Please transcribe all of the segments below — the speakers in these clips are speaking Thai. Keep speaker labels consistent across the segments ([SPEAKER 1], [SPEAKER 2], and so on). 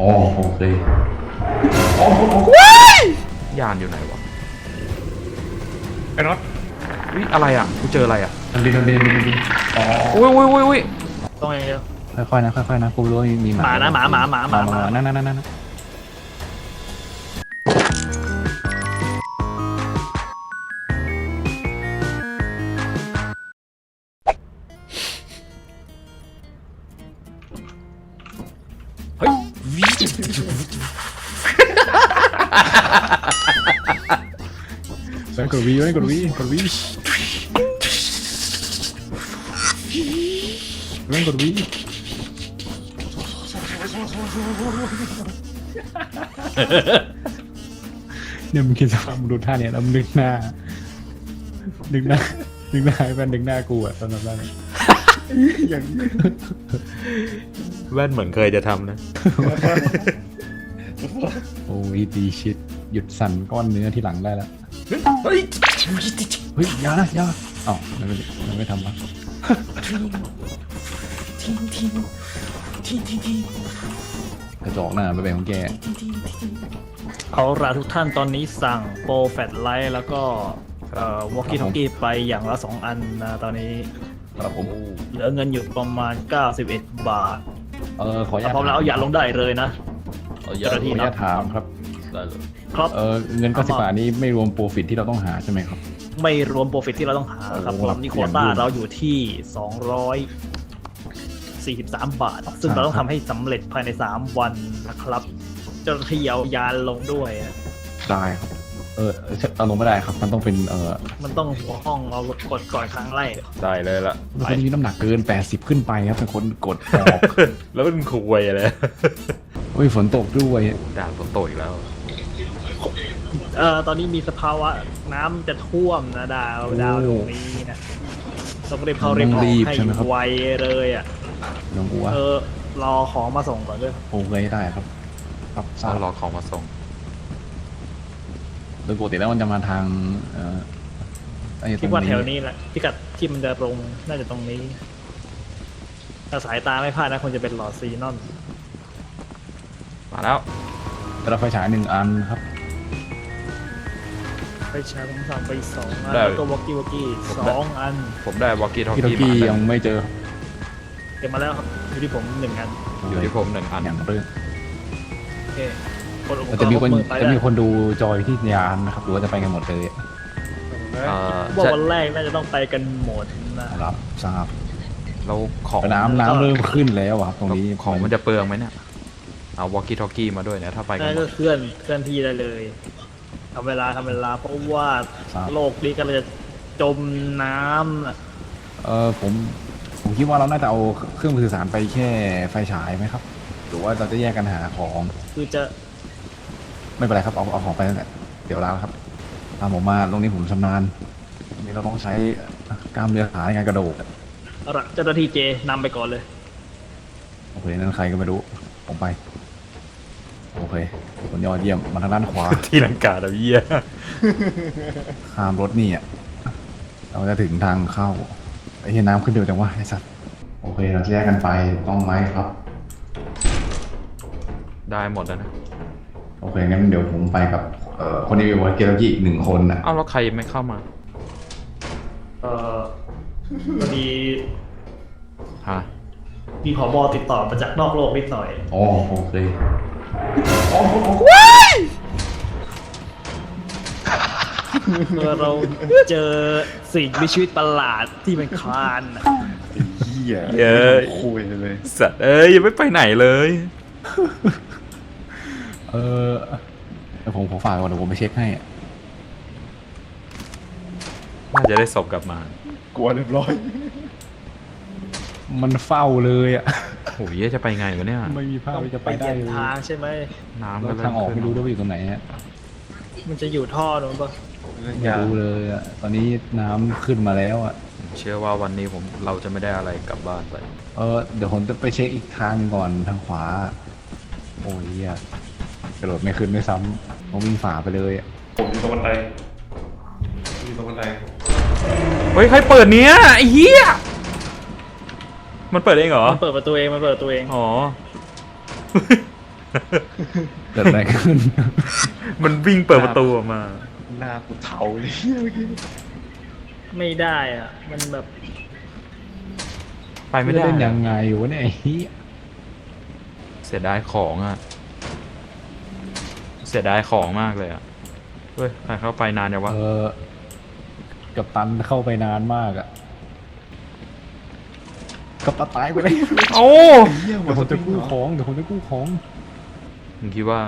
[SPEAKER 1] อ๋อโอเค
[SPEAKER 2] ยานอยู่ไหนวะ
[SPEAKER 3] ไอ้น็อต
[SPEAKER 2] วิอะไรอ่ะกูเจออะไรอ่ะ
[SPEAKER 1] มันบินอ๋อ
[SPEAKER 2] อุ้ย
[SPEAKER 4] ต้องอย่างเดียว
[SPEAKER 1] ค่อยๆนะค่อยๆนะกูรู้ว่ามีห
[SPEAKER 4] ห
[SPEAKER 1] มา
[SPEAKER 4] มานะหมา
[SPEAKER 1] นั่น
[SPEAKER 2] เฮ้ยวิ
[SPEAKER 1] กดวีกดวีกดวีเล่นกดวีเนี่ยมึงคิดสภาพมึงดูท่าเนี่ยแล้วมึงนึกหน้าให้มันนึกหน้ากูอะตอนนั้นอย่าง
[SPEAKER 2] แว่นเหมือนเคยจะทำนะ
[SPEAKER 1] โอ้ยดีชิดหยุดสั่นก้อนเนื้อที่หลังได้แล้ว
[SPEAKER 2] เฮ้ย
[SPEAKER 1] เฮ้ยยาอ้าวมันไม่ทำวะกระจอกหน้าไปเป็นของแก
[SPEAKER 4] เอาละทุกท่านตอนนี้สั่งโปรแฟลชไลท์แล้วก็วอลกี้ทอกกี้ไปอย่างละ2 อันนะตอนนี้
[SPEAKER 1] ครับผม
[SPEAKER 4] เหลือเงินอยู่ประมาณ91 บาท
[SPEAKER 1] ขออนุญาต
[SPEAKER 4] พร้อมแล้วเอาอย่าลงได้เลยนะ
[SPEAKER 1] ขออนุญาตถามครับ
[SPEAKER 4] ครับ
[SPEAKER 1] เงิน90 บาทนี้ไม่รวมโปรฟิตที่เราต้องหาใช่ไหมครับ
[SPEAKER 4] ไม่รวมโปรฟิตที่เราต้องหาครับ
[SPEAKER 1] โอ้
[SPEAKER 4] ต
[SPEAKER 1] โห
[SPEAKER 4] อนนี้โควต้าเราอยู่ที่243 บาท ซึ่งเราต้องทำให้สำเร็จภายใน3 วันนะครับเจ้าหน้าที่เอายานลงด้วยอะ
[SPEAKER 1] ได้ครับเอาลงไม่ได้ครับมันต้องเป็น
[SPEAKER 4] มันต้องหัวห้องเรากดก่อนครั้งแรก
[SPEAKER 2] ได้เลยละ
[SPEAKER 1] เป็นคนที่มีน้ำหนักเกิน80ขึ้นไปครับเป็นคนกดออก
[SPEAKER 2] แล้วมันคุยอะไร
[SPEAKER 1] เฮ้ยฝนตกด้วย
[SPEAKER 2] ด่านฝนตกอีกแล้ว
[SPEAKER 4] ตอนนี้มีสภาวะน้ำจะท่วมนะดาวตรงนี้นะต้องรีบเข้ารีบออกให้ไวเลยอ่ะ
[SPEAKER 1] น้องอัว
[SPEAKER 4] รอของมาส่งก่อนด้วย
[SPEAKER 1] โอเคได้ครับทราบ
[SPEAKER 2] รอของมาส่ง
[SPEAKER 1] โดยปกติแล้วมันจะมาทาง
[SPEAKER 4] คิดว่าแถวนี้แหละพิกัดที่มันจะลงน่าจะตรงนี้ ถ้าสายตาไม่พลาดนะควรจะเป็นหลอดซีนอน
[SPEAKER 2] มาแล้ว
[SPEAKER 1] กระไฟฉาย1 อันครับ
[SPEAKER 4] ไปใช้ผมสั่งไป2 อันแล้วก็วอกกี้2 อัน
[SPEAKER 2] ผมได้วอลกี้ทอก
[SPEAKER 1] พี่โต
[SPEAKER 2] กี้
[SPEAKER 1] กี้
[SPEAKER 2] มา
[SPEAKER 1] ยังไม่เจอ
[SPEAKER 4] เก็บมาแล้วครับอยู่ที่ผม1 อัน
[SPEAKER 2] อยู่ที่ผม1 อัน
[SPEAKER 1] อย่างเรื่อง
[SPEAKER 4] โอเคคนอุปกร
[SPEAKER 1] จะ
[SPEAKER 4] ณ์
[SPEAKER 1] มีคน
[SPEAKER 4] มือไป
[SPEAKER 1] จะ
[SPEAKER 4] ได้
[SPEAKER 1] มีคนดูจอยที่ยานนะครับหรือว่าจะไปกันหมดเลย
[SPEAKER 4] ว่าวันแรกน่าจะต้องไปกันหมดนะ
[SPEAKER 1] รับทราบ
[SPEAKER 2] เราของ
[SPEAKER 1] น้ำเริ่มขึ้นแล้วครับตรงนี้
[SPEAKER 2] ของมันจะเปลืองไหมเนี่ยเอาวอลกี้ทอกกี้มาด้วยเนี่ยถ้าไปกัน
[SPEAKER 4] นั่น
[SPEAKER 2] หม
[SPEAKER 4] ก็
[SPEAKER 2] ด
[SPEAKER 4] เคลื่อนที่ได้เลยทำเวลาเพราะว่าโลกนี้ก็จะจมน้ำน่ะ
[SPEAKER 1] ผมคิดว่าเราน่าจะเอาเครื่องสื่อสารไปแค่ไฟฉายไหมครับหรือว่าเราจะแยกกันหาของ
[SPEAKER 4] คือจะ
[SPEAKER 1] ไม่เป็นไรครับเอาของไปนั่นแหละเดี๋ยวลาครับตามผมมาตรงนี้ผมชำนาญตรงนี้เราต้องใช้กล้ามเนื้อขาในการกระโดด
[SPEAKER 4] เอาละเจ้าหน้าที่เจนำไปก่อนเลย
[SPEAKER 1] โอเคนั่นใครก็ไม่รู้ผมไปโอเคคนยอดเยี่ยมมาทางด้านขวา
[SPEAKER 2] ที่ลังกาดาวเยี่ย
[SPEAKER 1] ข้ามรถนี่อ่ะเราจะถึงทางเข้าไอ้เหี้ยน้ำขึ้นเร็วจังวะไอ้สัสโอเคเราจะแยกกันไปต้องไหมครับ
[SPEAKER 2] ได้หมดแล้วนะ
[SPEAKER 1] โอเคงั้นเดี๋ยวผมไปกับคนที่มีวอลเกอร์กี้อีก1 คนนะ
[SPEAKER 2] เอ้าแล้วใครไม่เข้ามา
[SPEAKER 4] พอดี
[SPEAKER 2] ฮะ
[SPEAKER 4] มีผบติดต่อมาจากนอกโลกนิดหน่อย
[SPEAKER 1] อ๋อโอเค
[SPEAKER 4] เมื่อเราเจอสิ่งมีชีวิตประหลาดที่เป็นคลานน่ะ
[SPEAKER 1] เหี้ย
[SPEAKER 2] เย้ย
[SPEAKER 1] คุยเลย
[SPEAKER 2] สัตว์ยังไม่ไปไหนเลย
[SPEAKER 1] เดี๋ยวผมขอฝากก่อนเดี๋ยวผมไปเช็คให้อะ
[SPEAKER 2] น่าจะได้ศพกลับมาก
[SPEAKER 3] ลัวเรียบร้อย
[SPEAKER 1] มันเฝ้าเลยอ่ะ
[SPEAKER 2] โอ้ยจะไปไงวะเนี่ย
[SPEAKER 1] ไม่มีภาพที่จะไปได้
[SPEAKER 4] เปลี่ยน
[SPEAKER 1] เลย
[SPEAKER 4] ทางใช่ไหม
[SPEAKER 2] น้ำ
[SPEAKER 1] แล้
[SPEAKER 2] ก็
[SPEAKER 1] ว
[SPEAKER 2] เริ่
[SPEAKER 1] ทาง
[SPEAKER 2] ม
[SPEAKER 1] ออก
[SPEAKER 2] ขึ้
[SPEAKER 1] ไม่
[SPEAKER 2] น
[SPEAKER 1] รู้ด้วยว่าอยู่ตรงไหนฮะ
[SPEAKER 4] มันจะอยู่ท่อนู้นปะ
[SPEAKER 1] ไม่รู้เลยอ่ะตอนนี้น้ำขึ้นมาแล้วอ่ะ
[SPEAKER 2] เชื่อว่าวันนี้เราจะไม่ได้อะไรกลับบ้านไป
[SPEAKER 1] เดี๋ยวผมจะไปเช็คอีกทางก่อนทางขวา โอ้ยเหี้ยกระโดดไม่ขึ้นไม่ซ้ำต้องวิ่งฝ่าไปเลยอะ
[SPEAKER 3] ผมอยู่ตรงบันไดอยู่ตรงบันได
[SPEAKER 2] เฮ้ยใครเปิดเนี้ยไอ้เหี้ยมันเปิดเองเหรอ
[SPEAKER 4] มันเปิดประตูเอง
[SPEAKER 2] อ๋อ
[SPEAKER 1] เกิดอะไรขึ้น
[SPEAKER 2] มันวิ่งเปิดประตูออกมา
[SPEAKER 3] หน้ากูเทาเลยเมื่อกี้
[SPEAKER 4] ไม่ได้อ่ะ มันแบบ
[SPEAKER 2] ไปไม่ได้
[SPEAKER 1] เล่นยังไงวะเนี่ยไอ้เหี้ย
[SPEAKER 2] เสียดายของอ่ะ เสียดายของมากเลยอ่ะ เฮ้ยใครเข้าไปนานยังวะ
[SPEAKER 1] กับตันเข้าไปนานมากอะกับตันตายไปเลย
[SPEAKER 2] โอ้
[SPEAKER 3] เหี้ย
[SPEAKER 1] เดี๋ยวผมจะกู้ของเดี๋ยวผมจะกู้ของ
[SPEAKER 2] มึงคิดว่า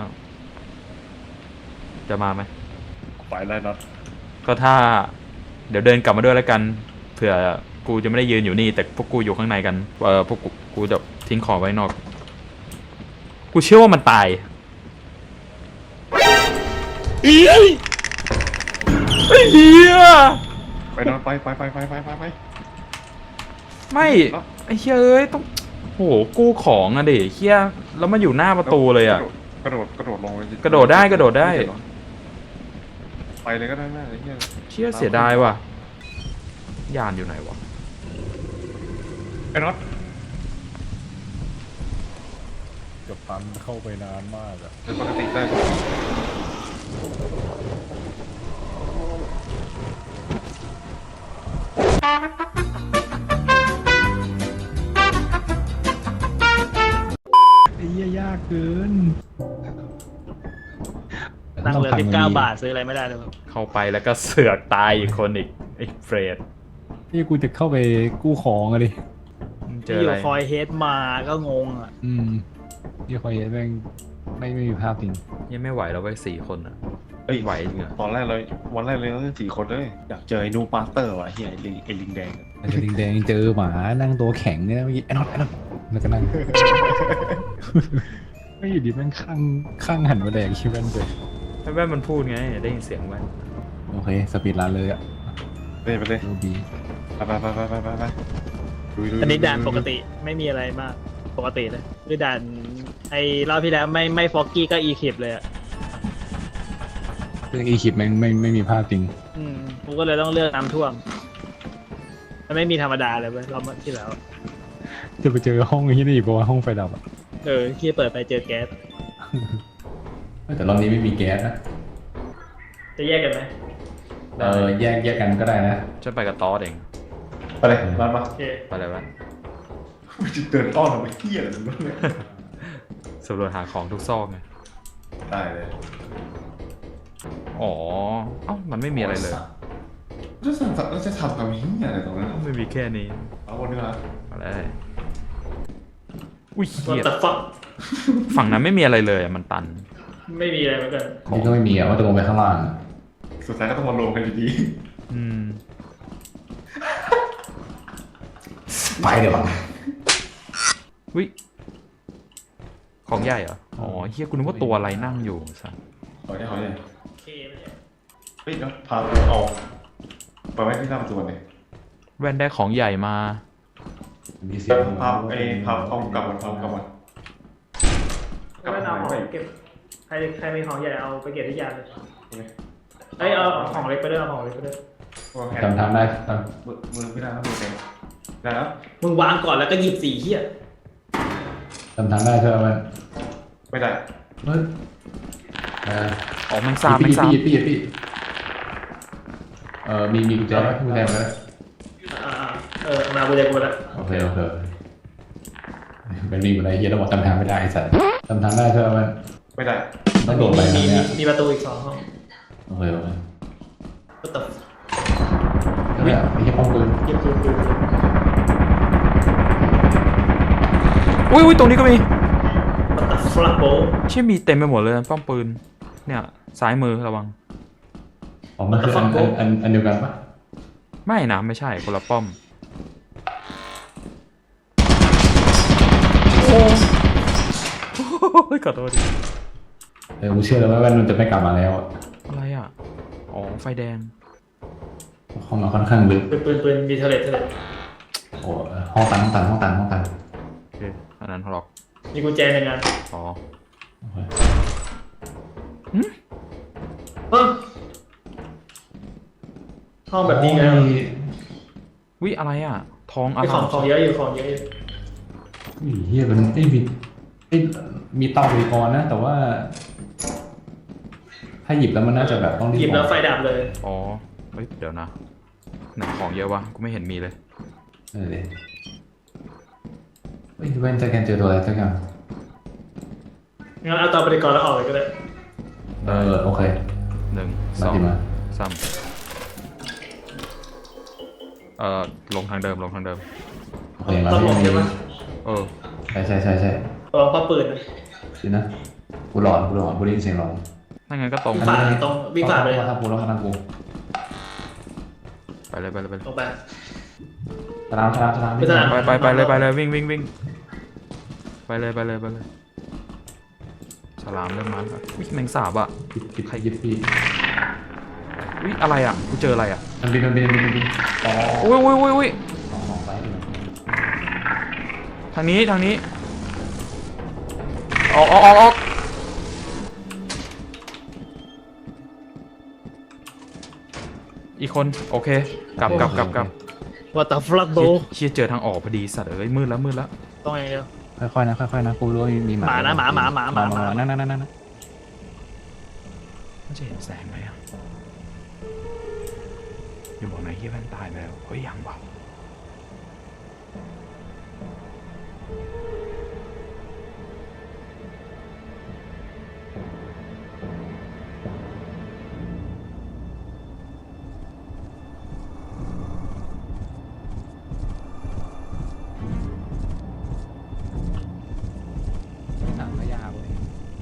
[SPEAKER 2] จะมาไหม
[SPEAKER 3] ไปไล่น็อต
[SPEAKER 2] ก็ถ้า เดี๋ยวเดินกลับมาด้วยแล้วกัน เผื่อกูจะไม่ได้ยืนอยู่นี่ แต่พวกกูอยู่ข้างในกันพวกกูจะทิ้งของไว้นอก กูเชื่อว่ามันตายไอ้เหี้ย
[SPEAKER 3] ไปน็อตไป
[SPEAKER 2] ไม่ไอ้เหี้ยเอ้ยต้องโหกู้ของอะดิเหี้ยแล้วมันอยู่หน้าประตูเลยอะ
[SPEAKER 3] กระโดดลงเลย
[SPEAKER 2] กระโดดได้
[SPEAKER 3] ไปเลยก็ได้แม่ไอ้เหี้ย
[SPEAKER 2] เชี่ยเสียดายว่ะยานอยู่ไหนวะ
[SPEAKER 3] ไอ้น็อต
[SPEAKER 1] กับตันเข้าไปนานมากอะ
[SPEAKER 3] เป็นปกติได้
[SPEAKER 1] ไอ้เหี้ยยากเกิน
[SPEAKER 4] นั่งเหลือ
[SPEAKER 1] ต้
[SPEAKER 4] 19 บาทซื้ออะไรไม่ได้เลยครับ
[SPEAKER 2] เข้าไปแล้วก็เสือกตายอีกคนอีกไอ้เฟรด
[SPEAKER 1] นี่กูจะเข้าไปกู้ของอะดิ
[SPEAKER 2] มึงเจ
[SPEAKER 4] ที่
[SPEAKER 2] อ
[SPEAKER 4] อ
[SPEAKER 2] อะไร
[SPEAKER 4] ยู่คอยเฮดมาก็งงอ่ะ
[SPEAKER 1] นี่คอยเห็นแม่งไม่มีภาพจริง
[SPEAKER 2] ยังไม่ไหวแล้วเว้ย4 คนอะ
[SPEAKER 3] เอ้ย
[SPEAKER 2] ไหวจริงอะ
[SPEAKER 3] ตอนแรกเลยวันแรกเลยเรา4 คนเลยอยากเจอไอ้นูปาสเตอร์ว่ะเฮียไอ้ลิงแดง
[SPEAKER 1] แต่ลิงแดงเจอหมานั่งตัวแข็งเนี่ยเมื่อกี้ไอ้น็อตแล้วก็นั่ง ไม่อยู่ดีแม่งข้างหันมาแดกชิวแม่นเลย
[SPEAKER 2] ไอ้แว่นมันพูดไงได้ยินเสียงแว่น
[SPEAKER 1] โอเคสปีดรันเลยอะ
[SPEAKER 3] ไปเลย
[SPEAKER 1] ดูดี
[SPEAKER 3] ไปดู
[SPEAKER 4] อันนี้ด่านปกติไม่มีอะไรมากปกติเลยคือด่านไอ้รอบที่แล้วไม่ฟอกกี้ก็อีคลิปเลยอ่ะ
[SPEAKER 1] เรื่องอีคิปแม่งไม่มีภาพจริง
[SPEAKER 4] กูก็เลยต้องเลือกน้ำท่วมมันไม่มีธรรมดาเลยเว้ยรอบที่แล้ว
[SPEAKER 1] จะไปเจอห้องที่นี่เพราะว่าห้องไฟดับอะ
[SPEAKER 4] ที่เปิดไปเจอแก๊ส
[SPEAKER 1] แต่รอบนี้ไม่มีแก๊สนะ
[SPEAKER 4] จะแยกกันไหม
[SPEAKER 1] แยกกันก็ได้นะ
[SPEAKER 2] ฉันไปกับตอสเอง
[SPEAKER 3] ไปเลยมา
[SPEAKER 4] โอเค
[SPEAKER 2] ไปเลยแว่น
[SPEAKER 3] จะเดินต้อนทำไมเฮียอะไรมึงเนี่ย
[SPEAKER 2] สำรวจหาของทุกซอกไง
[SPEAKER 3] ได้เลย
[SPEAKER 2] อ๋อเอ้ามันไม่มีอะไรเลย
[SPEAKER 3] จะทำกับเฮียอะไรตรงนั้น
[SPEAKER 2] ไม่มีแค่นี้
[SPEAKER 3] เอาคนนี้มา
[SPEAKER 2] อะไรอุ้ย
[SPEAKER 4] วั
[SPEAKER 2] เหี้ย
[SPEAKER 4] แต่ฟัก
[SPEAKER 2] ฝั่งนั้นไม่มีอะไรเลยอะมันตัน
[SPEAKER 4] ไม่มีอะไรเหมือนกัน
[SPEAKER 1] นี่ก็ไม่มีอะว่าจะลงไปข้างล่าง
[SPEAKER 3] สุดท้ายก็ต้องมารวมกันอยู่ดี
[SPEAKER 2] อืม
[SPEAKER 1] ไปเดี๋ยว
[SPEAKER 2] วิของใหญ่เหรอ อ๋อเฮียกูนึกว่าตัวอะไรนั่งอยู่สัส
[SPEAKER 3] ขอได้
[SPEAKER 4] โอเคไม่ได้
[SPEAKER 3] เฮ้ยเดี๋ยวพาตัวออกไปไว้ที่หน้าประตูเลย
[SPEAKER 2] แว่นได้ของใหญ่มา
[SPEAKER 1] มีเสียง
[SPEAKER 3] พาเอากลับมันกลับมัน
[SPEAKER 4] ไม่เอาของเก็บใครมีของใหญ่เอาไปเก็บที่ยานเลยเอาของเล็กไปด้วยเอาของเล็กไปด้วย
[SPEAKER 1] จำทางได้
[SPEAKER 3] มือไม่ได้แล้วมือแดงได้แล้ว
[SPEAKER 4] มึงวางก่อนแล้วก็หยิบสีเหี้ย
[SPEAKER 1] จำทางได้ใช่ไหม
[SPEAKER 3] ไม่ได้
[SPEAKER 1] เฮ้ย
[SPEAKER 2] อ๋อแมงสาบแมงสาบ
[SPEAKER 1] พี่มีกุญแจไหมกุญแจไหม
[SPEAKER 4] มากูจะกูแล้ว
[SPEAKER 1] โอเคเป็นมีอะไรเฮียแล้วบอกจำทางไม่ได้ไอ้สัสจำทางได้ใช่ไหม
[SPEAKER 3] ไม่ได้
[SPEAKER 1] ต้องโดดไปทางเนี้ย
[SPEAKER 4] มีประตูอีก2 ห้อง
[SPEAKER 1] โอเค
[SPEAKER 4] ก็ตัด
[SPEAKER 1] เนี่ยไอ้เหี้ยป้องปืน
[SPEAKER 4] เก็บปืน
[SPEAKER 2] อุ้ยตรงนี้ก็มี
[SPEAKER 4] ตัดฟลักโบ
[SPEAKER 2] เชี่ยมีเต็มไปหมดเลยป้อมปืน เนี่ยซ้ายมือระวัง
[SPEAKER 1] อ๋อมันคืออันเดียวกันปะ
[SPEAKER 2] ไม่นะไม่ใช่คนละป้อม โอ้ยขอโทษดิ
[SPEAKER 1] กูเชื่อแล้วว่ามันจะไม่กลับมาแล้ว
[SPEAKER 2] อะไรอ่ะ อ๋อไฟแดง
[SPEAKER 1] ห้องมันค่อนข้างลึก
[SPEAKER 4] ปืนมีเทเลต
[SPEAKER 1] โอ้ห้องตัน
[SPEAKER 2] โอเคอันนั้นล็อก
[SPEAKER 4] มีกุญแจ1 อัน
[SPEAKER 2] อ๋อ
[SPEAKER 4] ห้องแบบนี้ไง
[SPEAKER 2] วิอะไรอ่ะ ทองอะ
[SPEAKER 4] มี
[SPEAKER 2] ไร
[SPEAKER 4] ของเยอะอยู่ของเยอะอยู่
[SPEAKER 1] เฮียมันไม่มีมีเตาบริกรนะ แต่ว่า ถ้าหยิบแล้วมันน่าจะแบบต้องรีบ
[SPEAKER 4] หยิบแล้วไฟดับเลย
[SPEAKER 2] อ๋อเฮ้ยเดี๋ยวนะไหนของเยอะวะกูไม่เห็นมีเลย
[SPEAKER 1] เออเลยเฮ้ยเว้นจะแกนเจอตัวอะไรสักอย่าง
[SPEAKER 4] งั้นเอาเตาปฏิกรณ์แล้วออกเลยก็ได้
[SPEAKER 1] โอเค
[SPEAKER 2] 1
[SPEAKER 1] มาดิมา
[SPEAKER 2] 2 3ลงทางเดิมลงทางเดิม
[SPEAKER 1] โอเคมา
[SPEAKER 4] ต้องหลบ
[SPEAKER 1] ที่
[SPEAKER 4] ใช่ไหม
[SPEAKER 2] เออ
[SPEAKER 1] ใช่
[SPEAKER 4] ลองป้าปืนนะ
[SPEAKER 1] สินะกูหลอนกูได้ยินเสียงหลอน
[SPEAKER 2] ถ้างั้นก็ตรง
[SPEAKER 4] ฝ่าตรงวิ่งฝ่าไปเลย
[SPEAKER 1] มาทางกูแล้วมาทางกู
[SPEAKER 2] ไปเลย
[SPEAKER 4] ตรงไป
[SPEAKER 1] สนาม
[SPEAKER 4] ไม่สนาม
[SPEAKER 2] ไปเลยวิ่งไปเลยฉลามเริ่มมาแล้ววิแมงสาบอ่ะ
[SPEAKER 1] ใครยิบพี่
[SPEAKER 2] วิอะไรอ่ะกูเจออะไรอ่ะ
[SPEAKER 1] มันบินอ๋อ
[SPEAKER 2] อุ้ย
[SPEAKER 1] สองไซส์เลย
[SPEAKER 2] ทางนี้ออกอีกคนโอเคกลับ
[SPEAKER 4] ว่าแต่ฟลักโบ
[SPEAKER 2] เชี่ยเจอทางออกพอดีสัตว์เอ้ยมืดแล้ว
[SPEAKER 4] ต้องไงเดียว
[SPEAKER 1] ค่อยๆนะกูรู้ว่ามีหมา
[SPEAKER 4] หมานะหมา
[SPEAKER 1] นั่น
[SPEAKER 2] มันจะเห็นแสงไหมอ่ะอย่าบอกนายเฮียแว่นตายไปแล้วเฮ้ยยังวะ
[SPEAKER 1] หนังก็ยาวเลย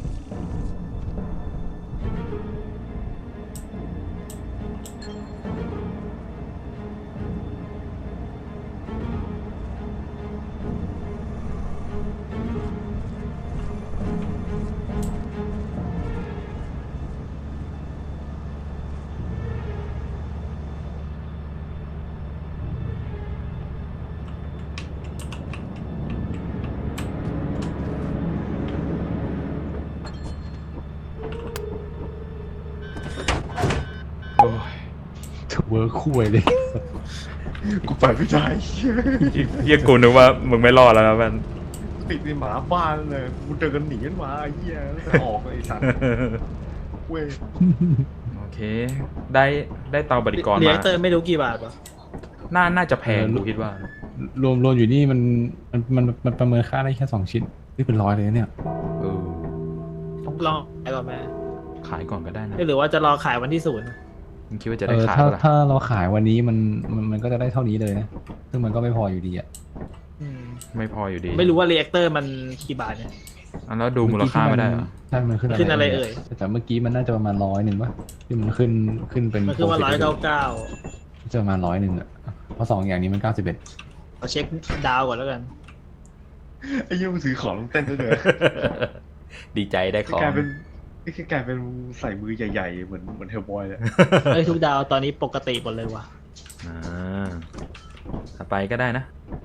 [SPEAKER 2] โอ้ย
[SPEAKER 1] เวิร์คคุยเลย
[SPEAKER 3] กูไปไม่ได้เหี้ย
[SPEAKER 2] เฮียกูนึกว่ามึงไม่รอดแล้วนะแว่น
[SPEAKER 3] ติดในหมาบ้านเลยกูเดินหนีกันมาไอ้เหี้ยแล้วจะออกไอ้สัตว์เว้ย
[SPEAKER 2] โอเคได้เตาบริกร
[SPEAKER 4] เรีย
[SPEAKER 2] มาก
[SPEAKER 4] เตอร์ไม่รู้กี่บาทวะ
[SPEAKER 2] น่าจะแพงกูคิดว่า
[SPEAKER 1] รวมอยู่นี่มันประเมินค่าได้แค่2 ชิ้นนี่เป็น100เลยนะเนี่ย
[SPEAKER 2] เออ
[SPEAKER 4] ต้องลองขายก่อนไหม
[SPEAKER 2] ขายก่อนก็ได้นะ
[SPEAKER 4] หรือว่าจะรอขายวันที่0
[SPEAKER 2] มึงคิดว่าจะได้ขาย
[SPEAKER 1] ถ้า
[SPEAKER 2] ปะล่ะ
[SPEAKER 1] ถ้าเราขายวันนี้มันก็จะได้เท่านี้เลยนะซึ่งมันก็ไม่พออยู่ดีอ่ะ
[SPEAKER 4] อืม
[SPEAKER 2] ไม่พออยู่ดี
[SPEAKER 4] ไม่รู้ว่าเรียกเตอร์มันกี่บาทเนี่ย
[SPEAKER 2] อันแล้วดูมูลค่าไม่ได้เหรอ
[SPEAKER 1] ใช่มันขึ้น
[SPEAKER 4] ขึ้นอะไรเอ่ย
[SPEAKER 1] แต่เมื่อกี้มันน่าจะประมาณ100ป่ะที่มันขึ้นเป็น
[SPEAKER 4] มันคือว่า199
[SPEAKER 1] จะประมาณ100อ่ะเพราะ2อย่างนี้มัน91
[SPEAKER 4] เอาเช็คดาวก่อนแล้วกัน
[SPEAKER 3] ไอ้เหี้ยมึงถือของเต้นด้วยเลย
[SPEAKER 2] ดีใจได้ของ
[SPEAKER 3] กลายเป็นนี่คือกลายเป็นใส่มือใหญ่ๆเหมือนเฮลบอยเลย
[SPEAKER 4] เอ้ยทุกดาวตอนนี้ปกติหมดเลยว่ะ
[SPEAKER 2] อ่าถ้าไปก็ได้นะ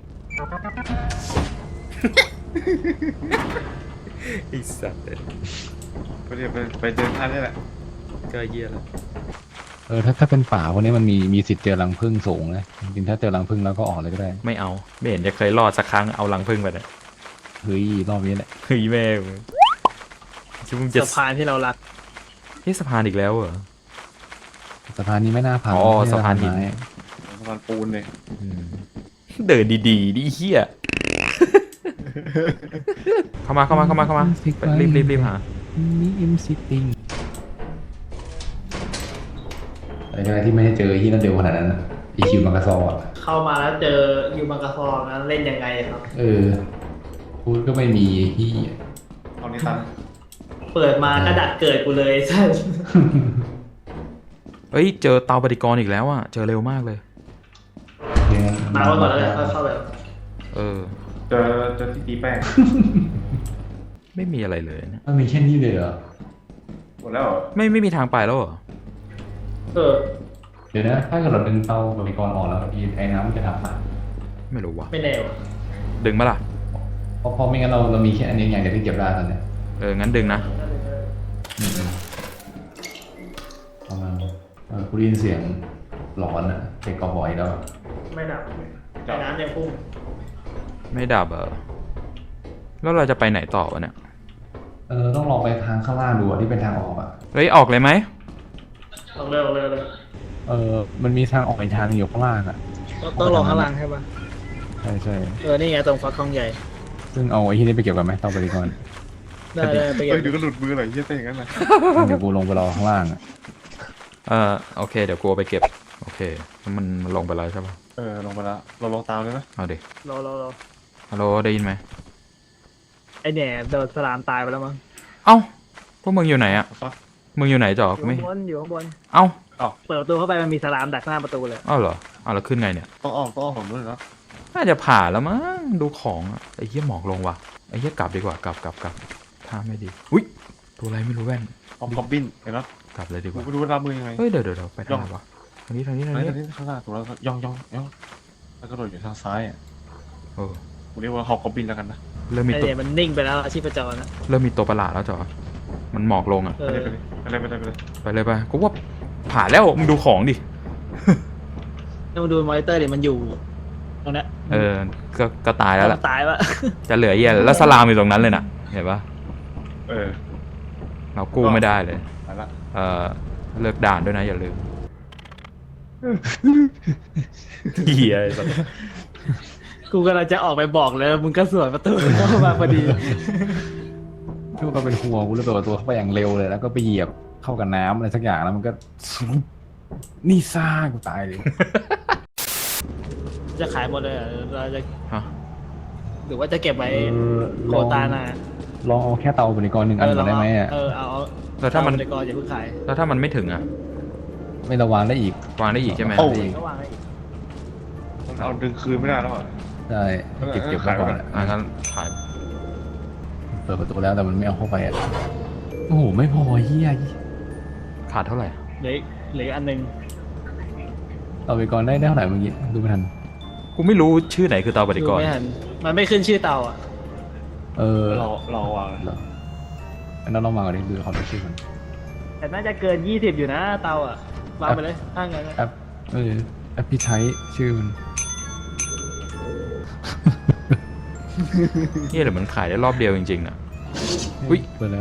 [SPEAKER 2] ไอ้สัตว์เลย
[SPEAKER 3] ไปเดี๋ยวไปเดินท่านนี่แหละ
[SPEAKER 2] ก็เยี่ยแล้ว
[SPEAKER 1] ถ้าเป็นป่าพวกนี้มันมีสิทธิ์เจอรังผึ้งสูงนะจริงๆถ้าเจอรังผึ้งแล้วก็ออกเลยก็ได้
[SPEAKER 2] ไม่เอาไม่เห็นจะเคยรอดสักครั้งเอาลังพึ่งไปเลย
[SPEAKER 1] เฮ้ยรอบนี้แหละ
[SPEAKER 2] เฮ้ยแม่งคิดว่ามึงจะ
[SPEAKER 4] สะพานที่เรารัก
[SPEAKER 2] ที่สะพานอีกแล้วเหรอ
[SPEAKER 1] สะพานนี้ไม่น่าผ่าน
[SPEAKER 2] อ๋อสะพานหิน
[SPEAKER 1] ไม้
[SPEAKER 3] สะพานปูนเลย
[SPEAKER 2] อืมเดินดีๆดิเฮียเข้ามาไปรีบหา
[SPEAKER 1] มีอิมซิติ้งอะไรที่ไม่ได้เจอที่นั่นเดียวขนาดนั้นอีคิวมังกรซออ่ะ
[SPEAKER 4] เข้ามาแล้วเจอยูมังกรฟองนั้นเล่นยังไงครับ
[SPEAKER 1] พูดก็ไม่มีที่
[SPEAKER 3] เอานี้ตัน
[SPEAKER 4] เปิดมาก็ดัดเกิดกูเลยใช่
[SPEAKER 2] เฮ้ยเจอเตาปฏิกรณ์อีกแล้วอ่ะเจอเร็วมากเลย
[SPEAKER 4] มาไว้ก่อนแล้วกันค่อยเข้าไป
[SPEAKER 2] เออ
[SPEAKER 3] เจอที่ตีแป้ง
[SPEAKER 2] ไม่มีอะไรเลยนะ
[SPEAKER 1] มันมีแค่นี้เลยเหรอ
[SPEAKER 3] หมดแล้วเหรอ
[SPEAKER 2] ไม่มีทางไปแล้วเหรอ
[SPEAKER 1] เดี๋ยวนะถ้าเกิดเราดึงเตาบริกรออกแล้วไอ้น้ำมันจะทำอ่ะ
[SPEAKER 2] ไม่รู้ว่ะ
[SPEAKER 4] ไม่แน่ว่ะ
[SPEAKER 2] ดึงมาล่ะ
[SPEAKER 1] เพราะไม่งั้นเรามีแค่อันนี้อย่างเดียวที่เก็บได้ตอนเนี้ย
[SPEAKER 2] งั้นดึงนะ
[SPEAKER 1] ประมาณกูได้ยินเสียงหลอนอ่ะเป็นกระบอกอีกแล้ว
[SPEAKER 4] ไม่ดับไอ้น้ำยังพุ่ง
[SPEAKER 2] ไม่ดับแล้วเราจะไปไหนต่อวะเนี่ย
[SPEAKER 1] ต้องลองไปทางข้างล่างดูอะที่เป็นทางออกอ่ะ
[SPEAKER 2] เฮ้ยออกเลยไหม
[SPEAKER 4] ลองเร็วเร็วเลย
[SPEAKER 1] มันมีทางออกอีกทางหนึ่งอยู่ข้างล่างอ่ะ
[SPEAKER 4] ต้องลองข้างล่างใช่ปะ
[SPEAKER 1] ใช่
[SPEAKER 4] นี่ไงตรงฟักทองใหญ่
[SPEAKER 1] ซึ่งเอาไอ้ที่นี่ไปเก็บกันไหมต้องไปดีก่อน
[SPEAKER 4] ได้ไปเก็
[SPEAKER 3] เฮ้ย
[SPEAKER 4] บ
[SPEAKER 3] เดี๋ยวก็หลุดมือหน่อยเหี้ยเต้อย่างนั้นนะ
[SPEAKER 1] เดี๋ยวกูลงไปรอข้างล่างอ่ะ
[SPEAKER 2] โอเคเดี๋ยวกูเอาไปเก็บโอเคแล้วมันลงไปแล้วใช่ปะ
[SPEAKER 3] ลงไปแล้วเราลงตามเลยไหม
[SPEAKER 2] เอาดิ
[SPEAKER 4] รอ
[SPEAKER 2] ฮัลโหลได้ยินไหม
[SPEAKER 4] ไอเนี่ยโดนสลามตายไปแล้วมั้ง
[SPEAKER 2] เอ้าพวกมึงอยู่ไหนอะ
[SPEAKER 3] ฟัก
[SPEAKER 2] มึงอยู่ไหนจอ
[SPEAKER 4] อ
[SPEAKER 2] กู
[SPEAKER 4] ยู่
[SPEAKER 2] ไม่
[SPEAKER 4] ข้างบนอยู่ข้างบน
[SPEAKER 2] เอ้า
[SPEAKER 4] เปิดประตูเข้าไปมันมีสลามดักหน้าประตูเลย
[SPEAKER 2] เอ้าเหรอเอาแล้วขึ้นไงเนี่ย
[SPEAKER 3] ต้องอ้อมผมด้วยนะ
[SPEAKER 2] น่าจะผ่าแล้วมั้งดูของอะไอ้เหี้ยหมอกลงว่ะไอ้เหี้ยกลับดีกว่ากลับท่าไม่ดีอุ้ยตัวอะไรไม่รู้แว่น
[SPEAKER 3] ออมคอมบินเห็นไหม
[SPEAKER 2] กลับเลยดีก
[SPEAKER 3] กู
[SPEAKER 2] ว่า
[SPEAKER 3] ไม่รู้ว่ารับมือยังไง
[SPEAKER 2] เฮ้ยเดี๋ยวไปทางไหนวะทางนี้
[SPEAKER 3] อันนี้ข้างหน้าถูกแล้วย่องแล้วก็โดดอยู่ทางซ้ายอ่ะ
[SPEAKER 2] เออ
[SPEAKER 3] กูเรียกว่าฮอกคอมบินแล้วกันนะ
[SPEAKER 2] เริ่มมี
[SPEAKER 4] ไอ
[SPEAKER 2] ตัว
[SPEAKER 4] เนี่ยมันนิ่งไปแล้วชีพจรนะ
[SPEAKER 2] เริ่มมีตัวประหลาดแล้วจอมันหมอกลงอะ
[SPEAKER 4] เอ
[SPEAKER 3] ไป
[SPEAKER 4] อ
[SPEAKER 3] เลยไปเลย
[SPEAKER 2] ไปเลยไปกูว่าผ่าแล้วมึงดูของดิ
[SPEAKER 4] ต้องดูมอนิเตอร์ดิมันอยู่ตรงเนี้ย
[SPEAKER 2] ก็ตายแล้วล่ะ
[SPEAKER 4] ตายวะ
[SPEAKER 2] จะเหลือเหี้ยแล้วสลามอยู่ตรงนั้นเลยน่ะเห็นปะ
[SPEAKER 3] เออ
[SPEAKER 2] เรากู้ไม่ได้เลย
[SPEAKER 3] ไปละ
[SPEAKER 2] เลิกด่านด้วยนะอย่าลืมเหี้ยไอ้สัส
[SPEAKER 4] กูกำลังจะออกไปบอกเลยมึงก็สวนประตูเข้ามาพอดี
[SPEAKER 1] ทุกคนเป็นหัวกูเลยเปิดประตูเข้าไปอย่างเร็วเลยแล้วก็ไปเหยียบเข้ากับน้ำอะไรสักอย่างแล้วมันก็นี่ซ่ากูตายเลย
[SPEAKER 4] จะขายหมดเลยเหรอเราจะ
[SPEAKER 2] ฮะ
[SPEAKER 4] หรือว่าจะเก็บไว้โคตานา
[SPEAKER 1] ลองเอาแค่เตาบริกรหนึ่งอันก่อนได้ไหมอ่ะ
[SPEAKER 4] เอา
[SPEAKER 2] แล้วถ้ามัน
[SPEAKER 4] เอไปก่อนอย่าเพิ่งขาย
[SPEAKER 2] แล้วถ้ามันไม่ถึงอ่ะ
[SPEAKER 1] ไม่ระวังได้อีก
[SPEAKER 2] วางได้อีกใช่ไหม
[SPEAKER 1] โอ้
[SPEAKER 4] ก็วางไว้
[SPEAKER 3] มันเอาดึงคืนไม่ได้แล้วอ่ะ
[SPEAKER 1] ใช่เก็บไว้ก่อนอะ
[SPEAKER 2] งั้นถ่าย
[SPEAKER 1] เปิดประตูแล้วแต่มันไม่เอาเข้าไปอ่ะโอ้โหไม่พอเฮีย
[SPEAKER 2] ขาดเท่าไหร่
[SPEAKER 4] เหลืออันหนึง
[SPEAKER 1] เตาบริกรได้เท่าไหร่เมื่อกี้ดูไม่ทัน
[SPEAKER 2] กูไม่รู้ชื่อไหนคือเตาปฏิกรณ์
[SPEAKER 4] ไม่ทันมันไม่ขึ้นชื่อเตาอ่ะ
[SPEAKER 3] เราวาง
[SPEAKER 1] เหรออันนั้นเรามาก่อนดิดูขอดูชื่อมัน
[SPEAKER 4] แต่น่าจะเกิน20อยู่นะเตาอ่ะวางไปเลยถ้างั้นนะ
[SPEAKER 1] แอปแอปที่ใช้ชื่อมัน
[SPEAKER 2] นี่หรือมันขายได้รอบเดียวจริงๆน่ะ อุ๊ย
[SPEAKER 1] เปิดแล้ว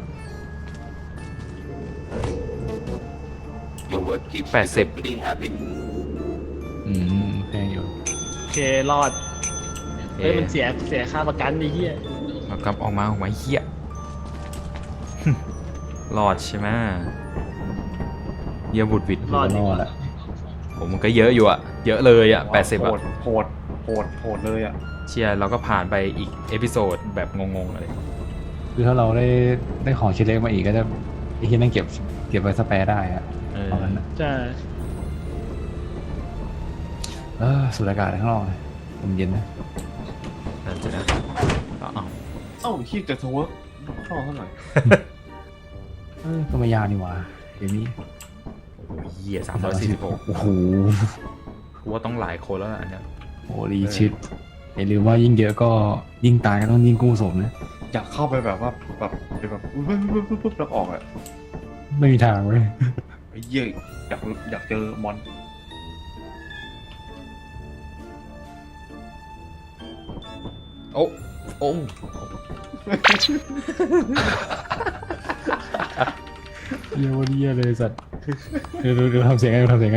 [SPEAKER 2] 80
[SPEAKER 1] แพงอยู่
[SPEAKER 4] โอเครอดเฮ้ยมันเสียค่าประกันดิเฮีย
[SPEAKER 2] เอากลับออกมาเหี้ย รอดใช่ไหมเยี่ยบุดวิด
[SPEAKER 1] รอดอ่ะ
[SPEAKER 2] ผมมันก็เยอะอยู่อะเยอะเลยอะ80อะ
[SPEAKER 3] โหดเลยอ่ะ
[SPEAKER 2] เชียร์เราก็ผ่านไปอีกเอพิโซดแบบงงๆอะไร
[SPEAKER 1] คือถ้าเราได้ของชิ้นเล็กมาอีกก็จะไอ้ที่นั่นเก็บไว้สแปร์ได้อะ
[SPEAKER 2] เออ
[SPEAKER 1] เอางั้นนะ
[SPEAKER 4] ใช่
[SPEAKER 1] สูดอากาศข้างนอกเลยลมเย็นนะ
[SPEAKER 2] นั่นจะนะเอา
[SPEAKER 3] เอ้าขี้จะทเวิร์กเข้าเท่าไหร่
[SPEAKER 1] ก็ไม่ยากนี่หว่าเดี๋ยวนี้
[SPEAKER 2] โอ้โหเหี้ย346
[SPEAKER 1] โอ้โห
[SPEAKER 2] กูว่าต้องหลายคนแล้วล่ะอันเนี้ย
[SPEAKER 1] โอ้ดีชิดอย่าลืมว่ายิ่งเยอะก็ยิ่งตายก็ต้องยิ่งกู้ศพนะ
[SPEAKER 3] อยากเข้าไปแบบว่าแบบปุ๊บแล้วออกอ่ะ
[SPEAKER 1] ไม่มีทางเว้ย
[SPEAKER 3] ไอ้เหี้ยอยากเจอมอน
[SPEAKER 2] โอ้โอ้
[SPEAKER 1] เยี่ยวันเยี่ยเลยสัตว์ดูทำเสียงไงดูทำเสียงไง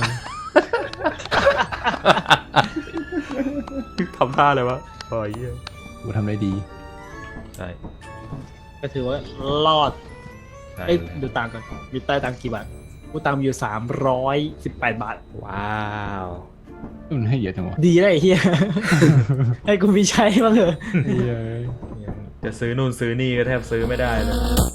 [SPEAKER 2] ทำท่าเลยวะโอ้ยเหี้ย
[SPEAKER 1] ดูทำได้ดี
[SPEAKER 2] ใช่
[SPEAKER 4] ก็ถือว่ารอด
[SPEAKER 2] ใช่
[SPEAKER 4] เอ้ยดูตังค์ก่อนมีใต้ตังค์กี่บาทกูตังค์มีอยู่318 บาท
[SPEAKER 2] ว้าว
[SPEAKER 1] มันให้เยอะจังวะ
[SPEAKER 4] ดีเลยไอ้เฮีย ให้กูมีใช้บ้างเถอะ
[SPEAKER 1] เหี้ย
[SPEAKER 2] จะซื้อนู่นซื้อนี่ก็แทบซื้อไม่ได้เลย